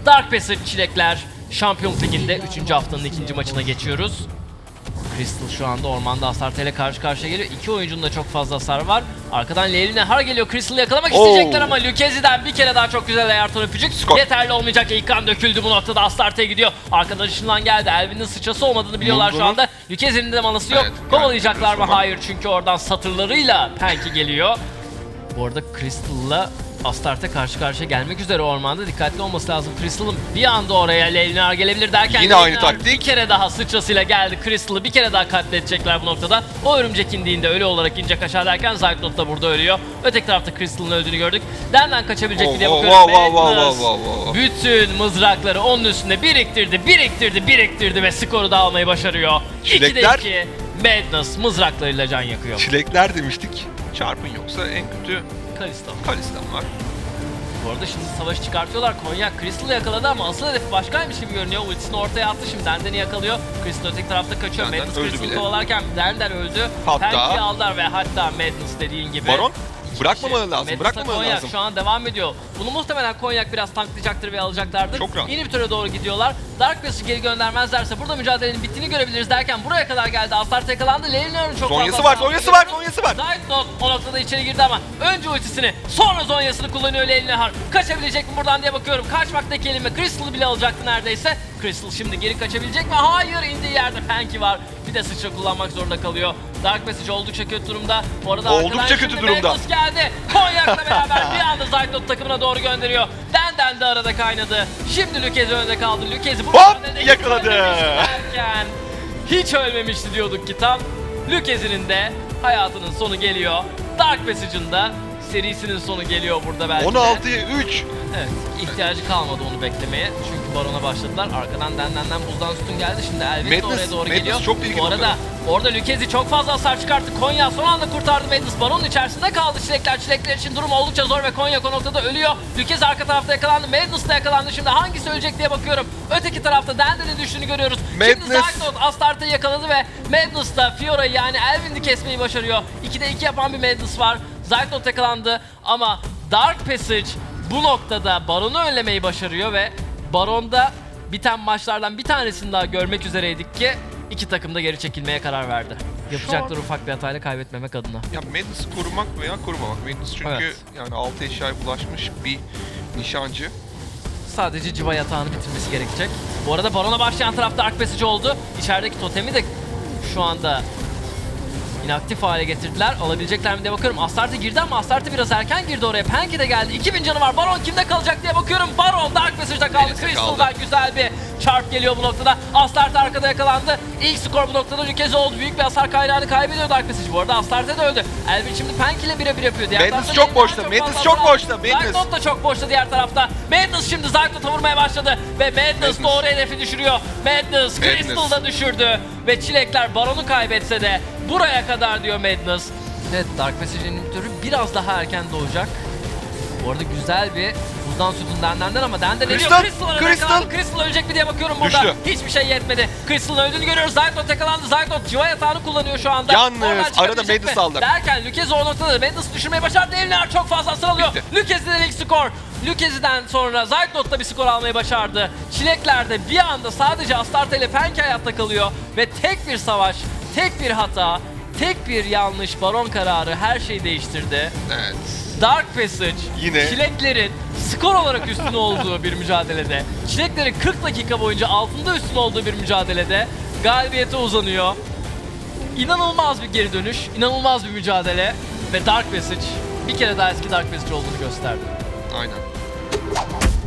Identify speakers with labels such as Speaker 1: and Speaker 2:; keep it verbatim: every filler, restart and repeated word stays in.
Speaker 1: Dark Passage Çilekler Şampiyonluk Ligi'nde üçüncü haftanın ikinci maçına geçiyoruz. Crystal şu anda ormanda Astarte ile karşı karşıya geliyor. İki oyuncunun da çok fazla hasar var. Arkadan Leyli Nehar geliyor. Crystal'ı yakalamak
Speaker 2: Oo.
Speaker 1: isteyecekler ama Lucchesi'den bir kere daha çok güzel ayarton öpücük.
Speaker 2: Skor.
Speaker 1: Yeterli olmayacak. İlk kan döküldü bu noktada. Astarte'ye gidiyor. Arkadan ışınlan geldi. Elvin'in sıçrası olmadığını biliyorlar şu anda. Lucchesi'nin de manası yok.
Speaker 2: Evet,
Speaker 1: Kovalayacaklar mı?
Speaker 2: yani,
Speaker 1: Hayır, çünkü oradan satırlarıyla Penki geliyor. Bu arada Crystal'la Astarte karşı karşıya gelmek üzere ormanda. Dikkatli olması lazım. Crystal'ın bir anda oraya Leyli Nehar gelebilir derken
Speaker 2: Yine aynı
Speaker 1: Leyli Nehar
Speaker 2: taktik.
Speaker 1: bir kere daha sıçrasıyla geldi. Crystal'ı bir kere daha katledecekler bu noktada. O örümcek indiğinde ölü olarak inecek aşağı derken Zaytnot da burada ölüyor. Öteki tarafta Crystal'ın öldüğünü gördük. Nereden kaçabilecek
Speaker 2: Oh,
Speaker 1: mi diye
Speaker 2: oh,
Speaker 1: bakıyorum.
Speaker 2: wow, wow,
Speaker 1: Madness
Speaker 2: wow, wow, wow, wow.
Speaker 1: bütün mızrakları onun üstünde biriktirdi, biriktirdi, biriktirdi ve skoru da almayı başarıyor.
Speaker 2: Çilekler-
Speaker 1: ikide iki Madness mızraklarıyla can yakıyor.
Speaker 2: Çilekler demiştik. Çarpın yoksa en kötü
Speaker 1: Kalista.
Speaker 2: Kalistan var.
Speaker 1: Bu arada şimdi savaşı çıkartıyorlar. Konyak Crystal'ı yakaladı ama asıl hedefi başkaymış gibi görünüyor. Ultisini ortaya attı, şimdi Denden'i yakalıyor. Crystal öteki tarafta kaçıyor.
Speaker 2: Denden
Speaker 1: Madness
Speaker 2: öldü
Speaker 1: Crystal'ı
Speaker 2: bile.
Speaker 1: kovalarken Denden öldü.
Speaker 2: Hatta-
Speaker 1: Penki'yi aldılar ve hatta Madness dediğin gibi.
Speaker 2: Baron
Speaker 1: İki
Speaker 2: bırakmamalı
Speaker 1: kişi.
Speaker 2: lazım,
Speaker 1: Madness'la
Speaker 2: bırakmamalı
Speaker 1: Konyak
Speaker 2: lazım.
Speaker 1: şu an devam ediyor. Bunu muhtemelen Konyak biraz tanklayacaktır ve alacaklardır.
Speaker 2: Çok rahat.
Speaker 1: İnhibitöre doğru gidiyorlar. Dark Pass'ı geri göndermezlerse burada mücadelenin bittiğini görebiliriz derken buraya kadar geldi. Astarte yakalandı. Leylinar'ın çok
Speaker 2: Zonyası
Speaker 1: fazla
Speaker 2: var,
Speaker 1: hasarını
Speaker 2: Zonyası var,
Speaker 1: görüyoruz.
Speaker 2: Zonyası var.
Speaker 1: Zaytnot o noktada içeri girdi ama önce ultisini sonra Zonyasını kullanıyor Leylinar. Kaçabilecek mi buradan diye bakıyorum. Kaçmaktaki kelime Crystal'ı bile alacaktı neredeyse. Crystal şimdi geri kaçabilecek mi? Hayır, indiği yerde Penki var. Bir de sıçra kullanmak zorunda kalıyor. Dark Passage oldukça kötü durumda. Bu arada
Speaker 2: Oldukça
Speaker 1: arkadan
Speaker 2: kötü
Speaker 1: şimdi
Speaker 2: durumda.
Speaker 1: Madness geldi. Konyak'la beraber bir anda Zaytnot takımına doğru gönderiyor. Denden de arada kaynadı. Şimdi Lucchesi önde kaldı. Lucchesi bu
Speaker 2: Hop!
Speaker 1: mücadelede hiç
Speaker 2: Yakaladı.
Speaker 1: ölmemişti derken, hiç ölmemişti diyorduk ki tam. Lucchesi'nin de hayatının sonu geliyor. Dark Passage'ın da serisinin sonu geliyor burada belki
Speaker 2: on
Speaker 1: de.
Speaker 2: altıya üç.
Speaker 1: Evet, ihtiyacı kalmadı onu beklemeye. Çünkü Baron'a başladılar. Arkadan Denden'den buzdan sütun geldi. Şimdi Elvis de
Speaker 2: Madness-
Speaker 1: oraya doğru
Speaker 2: Madness
Speaker 1: geliyor.
Speaker 2: çok ilginç
Speaker 1: Bu arada
Speaker 2: noktada.
Speaker 1: orada Lucchesi çok fazla hasar çıkarttı. Konya son anda kurtardı Madness. Baron'un içerisinde kaldı Çilekler. Çilekler için durum oldukça zor ve Konya o noktada ölüyor. Lucchesi arka tarafta yakalandı. Madness da yakalandı. Şimdi hangisi ölecek diye bakıyorum. Öteki tarafta Denden'in düştüğünü görüyoruz. Şimdi
Speaker 2: Madness-
Speaker 1: Zaytnot Astarte'yi yakaladı ve Madness da Fiora'yı yani Elvin'i kesmeyi başarıyor. ikide iki yapan bir Madness var. Zaytnot yakalandı ama Dark Passage bu noktada Baron'u önlemeyi başarıyor ve Baron'da biten maçlardan bir tanesini daha görmek üzereydik ki iki takım da geri çekilmeye karar verdi. Yapacakları ufak bir hatayla kaybetmemek adına.
Speaker 2: Ya Madness'ı korumak veya korumamak. Madness çünkü
Speaker 1: Evet.
Speaker 2: yani altı eşyaya bulaşmış bir nişancı.
Speaker 1: Sadece civa yatağını bitirmesi gerekecek. Bu arada Baron'a başlayan taraf Dark Passage oldu. İçerideki totemi de şu anda inaktif hale getirdiler. Alabilecekler mi diye bakıyorum. Astarte girdi ama Astarte biraz erken girdi oraya. Penki de geldi. iki bin canı var. Baron kimde kalacak diye bakıyorum. Baron Dark Passage'da kaldı.
Speaker 2: Elinde
Speaker 1: Crystal'dan güzel bir çarp geliyor bu noktada. Astarte arkada yakalandı. İlk skor bu noktada Lucchesi oldu. Büyük bir hasar kaynağını kaybediyor Dark Passage. Bu arada Astarte de öldü. Elvin şimdi Penki ile birebir yapıyor. Diğer
Speaker 2: Madness
Speaker 1: tarafta
Speaker 2: çok
Speaker 1: Leylin'den
Speaker 2: boşta,
Speaker 1: fazla
Speaker 2: Madness çok
Speaker 1: hasar
Speaker 2: boşta,
Speaker 1: aldı.
Speaker 2: Madness.
Speaker 1: Zaytnot da çok boşta diğer tarafta. Madness şimdi Zaytnot'a vurmaya başladı. Ve Madness,
Speaker 2: Madness.
Speaker 1: doğru hedefi düşürüyor. Madness,
Speaker 2: Madness.
Speaker 1: Crystal da düşürdü. Ve Çilekler Baron'u kaybetse de buraya kadar diyor Madness. Evet, Dark Passage'in inhibitörü biraz daha erken doğacak. Bu arada güzel bir buzdan sütun Denden'den ama Denden ediyor.
Speaker 2: Crystal,
Speaker 1: Crystal arada
Speaker 2: Crystal.
Speaker 1: yakalandı. Crystal ölecek mi diye bakıyorum burada.
Speaker 2: Düştü.
Speaker 1: Hiçbir şey yetmedi. Crystal'ın öldüğünü görüyoruz. Zaytnot yakalandı. Zaytnot civa yatağını kullanıyor şu anda.
Speaker 2: Yalnız
Speaker 1: Oradan
Speaker 2: arada
Speaker 1: çıkabilecek
Speaker 2: Madness
Speaker 1: mi?
Speaker 2: aldı.
Speaker 1: Derken Lucchesi o noktada Madness'ı düşürmeyi başardı. Eliner çok fazla hasar alıyor.
Speaker 2: Bitti.
Speaker 1: Lucchesi'den ilk skor. Lucchesi'den sonra Zaytnot da bir skor almayı başardı. Çilekler de bir anda sadece Astarte ile Penki hayatta kalıyor. Ve tek bir savaş, tek bir hata, tek bir yanlış Baron kararı her şeyi değiştirdi.
Speaker 2: Evet.
Speaker 1: Dark Passage
Speaker 2: Yine.
Speaker 1: Çileklerin skor olarak üstün olduğu bir mücadelede, Çileklerin kırk dakika boyunca altında üstün olduğu bir mücadelede galibiyete uzanıyor. İnanılmaz bir geri dönüş, inanılmaz bir mücadele ve Dark Passage bir kere daha eski Dark Passage olduğunu gösterdi.
Speaker 2: Aynen.